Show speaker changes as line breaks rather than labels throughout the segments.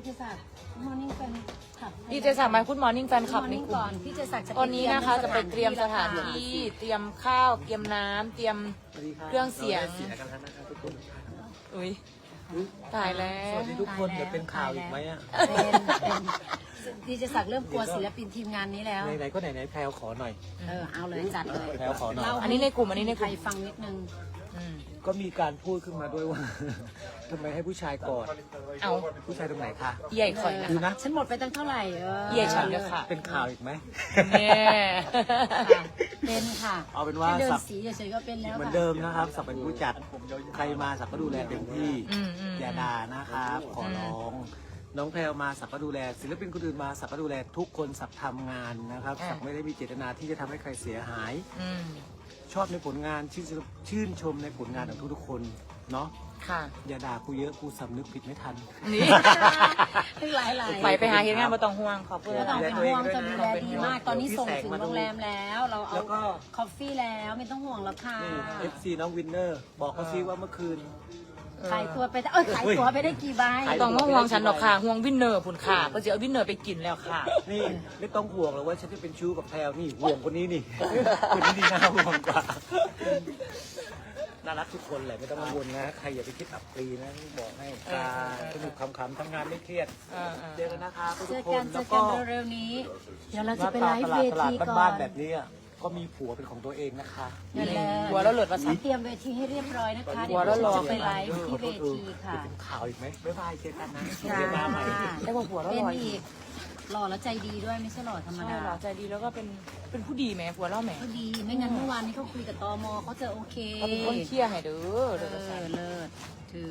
เจศักดิ์มอร์นิ่งแฟนคลับ
ดีเจศักดิ์มาคุณมอร์นิ่งแฟนคลับในกลุ่
ก่อ
ม
นพี่เจศักดิ์จะ
ตอนนี้นะคะจะไปเตรียมสถานที่เตรียมข้าวเตรียมน้ำเตรียมเครื่องเสียงอุ้ยตายแล้ว
สวัสดีทุกคนจะเป็นข่าวอีกไหมอ่ะ
เป็นดีเจศักดิ์เริ่มกลัวศิลปินทีมงานนี้แล้ว
ไหนๆก็ไหนๆแพลวขอหน่อย
เอาเลยจัดเลย
แพลวขอหน่อย
อันนี้ในกลุ่มอันนี้ในก
ใคร
ลุ่ม
ฟังนิดนึง
ก็มีการพูดขึ้นมาด้วยว่า ทำไมให้ผู้ชายกอด
เอา
ผู้ชายตรงไหนคะ
ใหญ่ข่อยนะ
ดูนะ
ฉันหมดไปตั้งเท่าไหร่
เหยียดฉันเลยค่ะ
เป็นข่าวอีกไหม
เนี่ย
เป็นค่ะ
เอาเป็นว่า
แค่เดิน
สับ
สีเฉยๆก็เป็นแล้ว
เหมือน
ค่ะ
เดิมนะครับสับเป็นผู้จัดใครมาสับก็ดูแลเต็มที่ อย่าด่านะครับขอร้อง น้องแพลวมาสับก็ดูแลศิลปินคนอื่นมาสับก็ดูแลทุกคนสับทำงานนะครับสับไม่ได้มีเจตนาที่จะทำให้ใครเสียหาย ชอบในผลงานชื่นชมในผลงานของทุกๆคนเนาะ
ค่ะ
อย่าด่ากูเยอะกูสำนึกผิดไม่ทัน
นี่
หลาย
ไปหาเฮ็ดงานมาต้องห่วงขอบคุณ
ไม่ต้องเป็นห่วงจะดูแลดีมาก ตอนนี้ส่งถึง
พี่แสงมาดู
โรงแรมแล้ว เราเอา
แล้วก็
คอฟฟี่แล้วไม่ต้องห่วงแล้วค่ะ
นี่ FC น้องวินเนอร์บอกเขาซิว่าเมื่อคืน
ขายตัวไปได้ขายตัวไปได้กี่ใบ
ต้องมาห่วงฉันหรอกค่ะห่วงวินเนอร์ผุนค่ะก็จะเอาวินเนอร์ไปกินแล้วค่ะ
นี่ไม่ต้องห่วงหรอกว่าฉันจะเป็นชู้กับแพลวนี่ห่วงคนนี้นี่ คนนี้นี่น่าห่วงกว่าน่ารักทุกคนแหละไม่ต้องกังวลนะใครอย่าไปคิดอับปรีนะบอกให้การสนุกขำๆทำงานไม่เครียดเจอกันนะคะทุ
เจ
ก
อ
ค
กัน
น
เจ
แล้
อ
ว
กั
ก็
นเร็วๆนี้ เดี๋ยวเรา
ห
จะ
น้า
ไป
ตา
ไล
ต
ฟ์
ลา
เว
ดตลาด
ทีก่อ
บ้าน
น
ๆแบบนี้อะก็มีผัวเป็นของตัวเองนะคะ
นั่นแหละ
หัวแล้วหลุดมาสั่
เตรียมเวทีให้เรียบร้อยนะคะ
หัวแล้วรอ
จะไปไลฟ์ที่เวทีค่ะ
เป็นข่าวอีกไหมบ๊ายบายเจอกันนะ
จ้า
เดี๋ยวมาใหม่
ได้ว่าหัวแล้ว
เป็น
ลอย
อีกหล่อแล้วใจดีด้วยไม่ใช่หล่อธรรม
ใช่
ดา
หรอใจดีแล้วก็เป็นผู้ดีไหมหัวเล่าแหม
ก็ดีไม่งั้นเมื่อวานนี้เขาคุยกับตมเขาจะโอเค
เขาเป็นคนเที่ยให้เด้อ
เอ
เด้อ
อเลิศถือ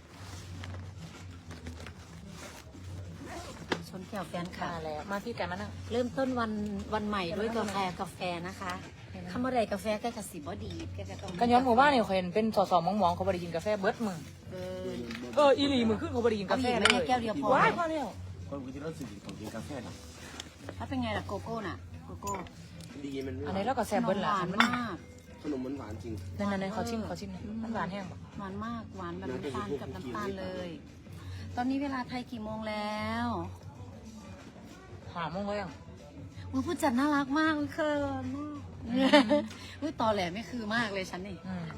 ชนแก้วแฟนค่ะ
มาแล้วมาที่กันมานั่ง
เริ่มต้นวันใหม่ด้วยกาแฟนะคะคำว่าใดกาแฟแกกระสิบว่าดีแกต้อง
กันย้อนหมู่บ้านเนี่ยเขาเห็นเป็นสอมองๆเขาบริกินกาแฟเบิร์ดมึง
เออ
อีหลีมือขึ้นเขาบริกินกาแฟ
เอาอีกไหม
เลย
แก้วเดียวพอ
ว้ายพอแล้ว
คนกินแล้วสิ่งของกินกาแฟนะ
ถ้าเป็นไงล่ะโกโก้น่ะโกโก้
ดีมันไม่
อันนี้เราก็แซ่บเบิร์ด
ห
ละ
วาน
มัน
มาก
ขนมมันหวานจริง
นั่นขอชิมมันหวานแห้งปะ
หวานมากหวานแบบน้ำตาลกับน้ำตาลเลย ตอนนี้เวลาไทยกี่โมงแล้ว
หอมมั้งเลยอ่ะ
อุ้ยผู้จัดน่ารักมากอุ้ยเคินมากอุ้ยตอแหลไม่คือมากเลยฉันนี่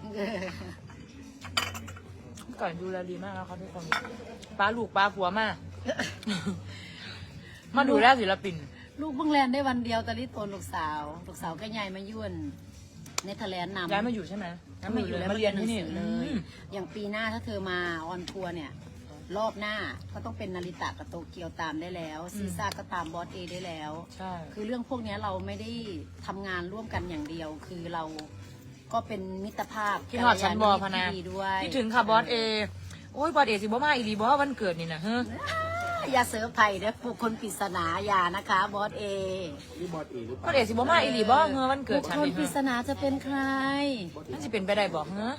ก่อนดูแลดีมากแล้วเขาทุกคนป้าลูกป้าผัวมา มาดูแลศิลปิน
ลูกเพิ่งแลนได้วันเดียวตอนนี้โตนลูกสาวก็ใหญ่มายุ่นเนเธอร์แลนด์นำ
ย้ายมาอยู่ใช่ไหม
มาอยู่แล้ว
มาเรียนที่นี่
เลย อย่างปีหน้าถ้าเธอมาออนทัวร์เนี่ย รอบหน้าก็ต้องเป็นนาริตะกับโตเกียวตามได้แล้ว ซีซ่าก็ตามบอสเอได้แล้ว
ใช่
คือเรื่องพวกเนี้ยเราไม่ได้ทำงานร่วมกันอย่างเดียว คือเราก็เป็นมิตรภาพ
พี่หอดชั้นบอพนา
ที่ดีด้วย
พี่ถึงค่ะบอสเอโอ้ยบอสเอสิบ่มาอีหลีบ่วันเกิดนี่นะเฮ้อ
อย่าเสือไผ่เด้อบุคคลปริศนาอย่านะคะบอสเอ
นี่บอสเอหรือเป
บอ
ล่า
สเอสิบ่มาอีหลีบ่เฮ้อวันเกิ
บุ
ด
ค
ฉัน
คล
นี่
ปริศ
เฮ้อ
นาจะเป็นใคร
นั่นสิเป็นไปได้บ่เฮ้อ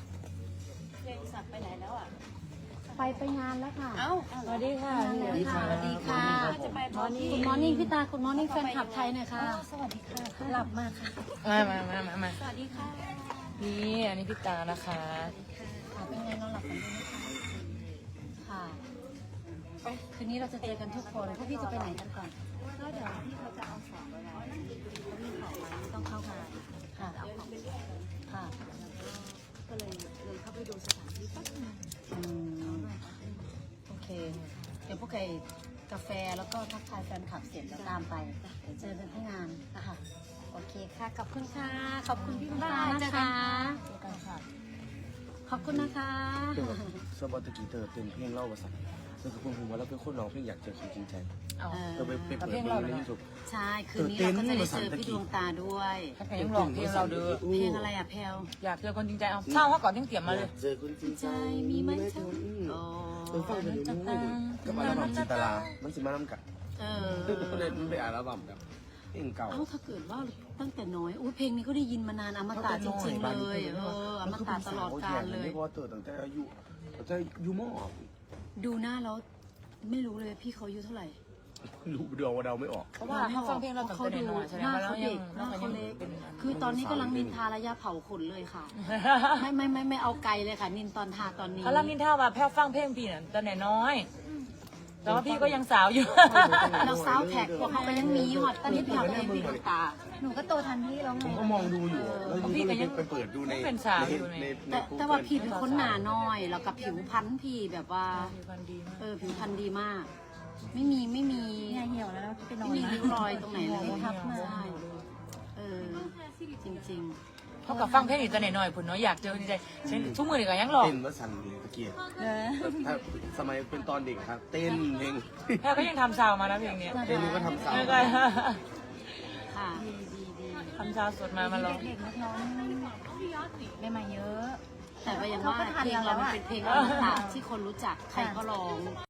ไปงานแล้วค่ะ
สวัสดีค่ะ
สวัสดีค่ะ สวัสดีค่ะคุณมอร์นิ่งพี่ตาคุณมอร์นิ่งแฟนคลับไทยหน่อยค่ะ สวัสดีค่ะหลับมาค่ะ
มา
สวัสดีค่ะ
นี่อันนี้พี่ตานะคะ
เป็นไงนอนหลับฝันดีไหมคะค่ะคืนนี้เราจะเจอกันทุกคนพวกพี่จะไปไหนกันก่อนก็เดี๋ยวพี่เขาจะเอาของไปแล้วต้องเข้างานค่ะค่ะก็เลยเข้าไปดูสถานที่แป๊บนึงโอเค เดี๋ยวพวกไก่กาแฟแล้วก็ทักทายแฟนคลับเสร็จแล้วตามไปเดี๋ยวเจอกันที่งานนะคะโอเคค่ะขอบคุณค่ะขอบคุณพี่บ้านะคะเจอกันค่ะขอบคุณนะคะ
สบอตะกี้เธอเต้นเพลงเล่าภาษาเธอคือคนผมว่าเราเป็นคนร้องเพลงอยากเจอคนจริงใจ
เอา
เธอไปเปิดเพลงในยูทูบ
ใช่คืนนี้เราก็จะได้เจอพี่ดวงตาด้วย
ถ้าใครยังหลอกเพลงเราเด้อ
เพลงอะไรอ่ะแพลว
อยากเจอคนจริงใจเอาเศร้าเขาก่อนต้องเตรียมมาเลย
เจอคนจริงใจ
มีไหมเธอโอ้
ฟังเพลงนี้กับอัลบั้มจินตลามันสิมาน้ำกัด
เออ
ก็เลยมันไปอัลบั้มแบบเพลงเก่า
เอ้าถ้าเกิดว่าตั้งแต่น้อยอุ้ยเพลงนี้ก็ได้ยินมานานอมตะจริงๆเลยอมตะตลอดกาลเลย
ไม่พอเติร์ตั้งแต่อายุมอ
ดูหน้าแล้วไม่รู้เลยพี่เขาอายุเท่าไหร่
รู้เดาว่าเดาไม่ออก
เพราะว่าเขาฟังเพลงเราตั้งแต่น้อยแสด
ห
ง
น้า
ว่าเรา
เขา
ยั
เด็
ง
กหน้าเขาเล็ก
เป็น
คือตอนนี้กำลังนินทาระยะเผาขนเลยค่ะ ไม่เอาไกลเลยค่ะ นินตอนทาตอนนี้
เขาลังนินท่าว่าแพ้วฟังเพลงพี่น่ะตอนไหนน้อยแต่ว่าพี่ก็ยังสาวอยู่
เราซาวแท็กพวกเขาก็ยังมีหอดตอนนี้พี่เขาเป็นพี่ตาหนูก็โตทันพี่แล้วไง
ผมก็มองดูอยู่แล้ว
พี่ก็ยัง
ไปเปิดดูใน
เป็นสาวอยู่ไง
แต่ว่าพี่เป็นคนหนาน้อยแล้วกับผิวพรรณพี่แบบว่า
ผิวพรรณดีมาก
ผิวพรรณดีมาก ไม่มี
เนี่ยเหี่ยวแล้วไปนอน
ไม่มีริ้วรอยตรงไหนเลย
ทับมา
ใช่จริง
เท่ากับฟังเพลงอีกตัวหน่อยๆผุนเนาะอยากเจอจริงๆฉันทุกมือนี่ก็ยังหลอก
เต้นว่าสั่นเลยตะเกียบถ้าสมัยเป็นตอนเด็กครับ เต้นเพลง
แพรก็ยังทำซาวมานะเพลงเนี้ย
เต้นก็ทำสาว
ไม่ก็
ๆค่ะ
ทำซาวสดมาร้อง
เด็กๆนักร้องได้มาเยอะ
แต่ก็ยังว่าเพลงเรามันเป็นเพลงอมตะที่คนรู้จักใครก็ร้อง